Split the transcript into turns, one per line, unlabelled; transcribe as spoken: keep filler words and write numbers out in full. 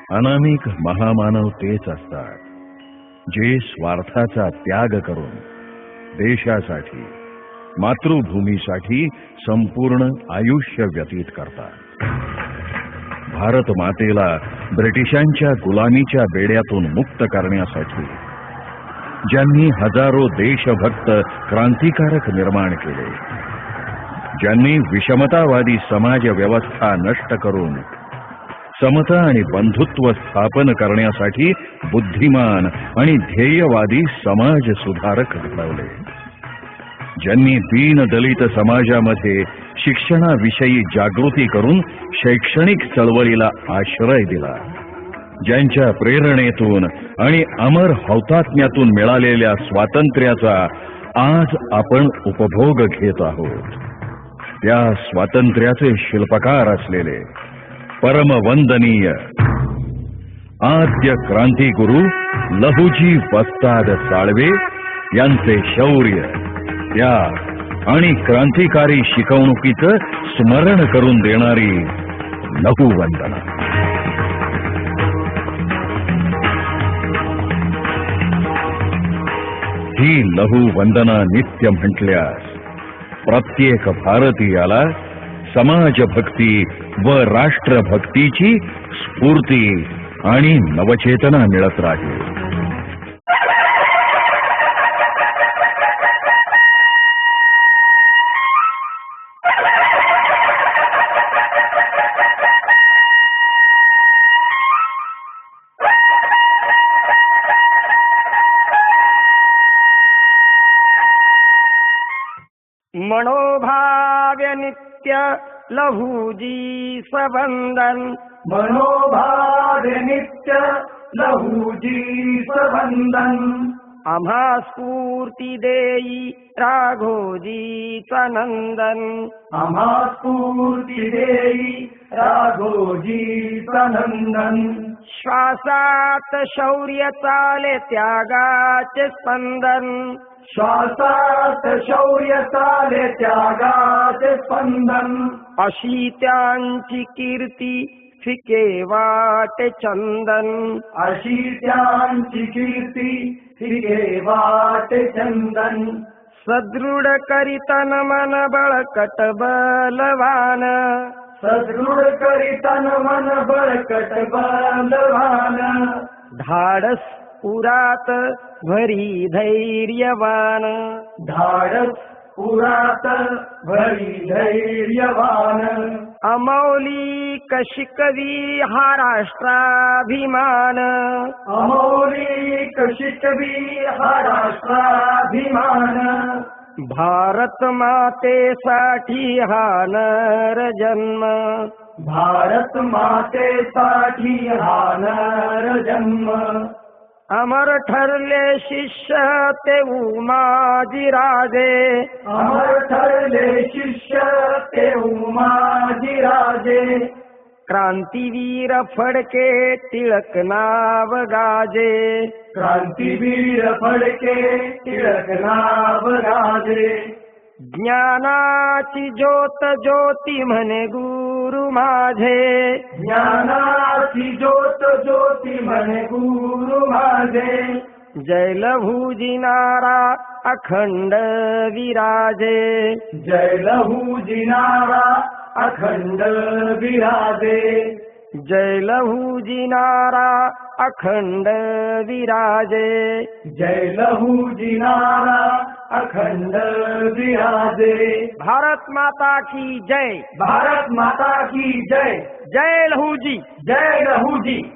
अनामिक महामानव तेच असतात जे स्वार्थाचा त्याग करून देशासाठी मातृभूमीसाठी संपूर्ण आयुष्य व्यतीत करतात. भारत मातेला ब्रिटिशांच्या गुलामीच्या बेड्यातून मुक्त करण्यासाठी ज्यांनी हजारो देशभक्त क्रांतिकारक निर्माण केले, ज्यांनी विषमतावादी समाज व्यवस्था नष्ट करून समता आणि बंधुत्व स्थापन करण्यासाठी बुद्धिमान आणि ध्येयवादी समाज सुधारक घडवले, ज्यांनी दीन दलित समाजामध्ये शिक्षणाविषयी जागृती करून शैक्षणिक चळवळीला आश्रय दिला, ज्यांच्या प्रेरणेतून आणि अमर हौतात्म्यातून मिळालेल्या स्वातंत्र्याचा आज आपण उपभोग घेत आहोत, त्या स्वातंत्र्याचे शिल्पकार असलेले परमवंदनीय आद्य क्रांतिगुरु लहुजी वस्ताद साळवे यांचे शौर्य, त्याग आणि क्रांतिकारी शिकवणुकीचं स्मरण करून देणारी लहुवंदना. ही लहुवंदना नित्य म्हटल्यास प्रत्येक भारतीयाला समाजभक्ती व राष्ट्रभक्तीची स्फूर्ती आणि नवचेतना मिळत राहील.
मनोभाव्य नित्य लहुजी सबंधन,
मनोभाव्य नित्य लहुजी सबंधन.
आम्हा स्फूर्ती देई राघोजीचा नंदन,
आम्हा स्फूर्ती देई राघोजीचा नंदन.
श्वासात शौर्य चाले त्यागाचे स्पंदन,
श्वासात शौर्य चाले त्यागाचे स्पंदन.
अशी त्यांची कीर्ती फिके वाटे चंदन,
अशी त्यांची कीर्ती फिके वाटे चंदन.
सदृढ करीतन मन बळकट बलवान,
सदृढ करीतन मन बळकट बलवान.
धाडस पुरात भरी धैर्यवान,
धाडस पुरात भरी धैर्यवान.
अमौलिक शिकवी हा राष्ट्राभिमान,
अमौलिक शिकवी हा राष्ट्राभिमान.
भारत मातेसाठी हा नर जन्म,
भारत मातेसाठी हा नर जन्म.
अमर ठरले शिष्य ते उमाजी राजे,
अमर ठरले शिष्य ते उमाजी राजे.
क्रांतीवीर फडके टिळक नाव गाजे,
क्रांतीवीर फडके टिळक नाव गाजे.
ज्ञानाची ज्योत ज्योती म्हणे गुरु माझे,
ज्ञानाची ज्योत ज्योती म्हणे गुरु माझे.
जय लहुजी नारा अखंड विराजे,
जय लहुजी नारा अखंड विराजे.
जय लहुजी नारा अखंड विराजे.
जय लहुजी नारा अखंड विराजे.
भारत माता की जय,
भारत माता की जय.
जय लहुजी.
जय लहुजी.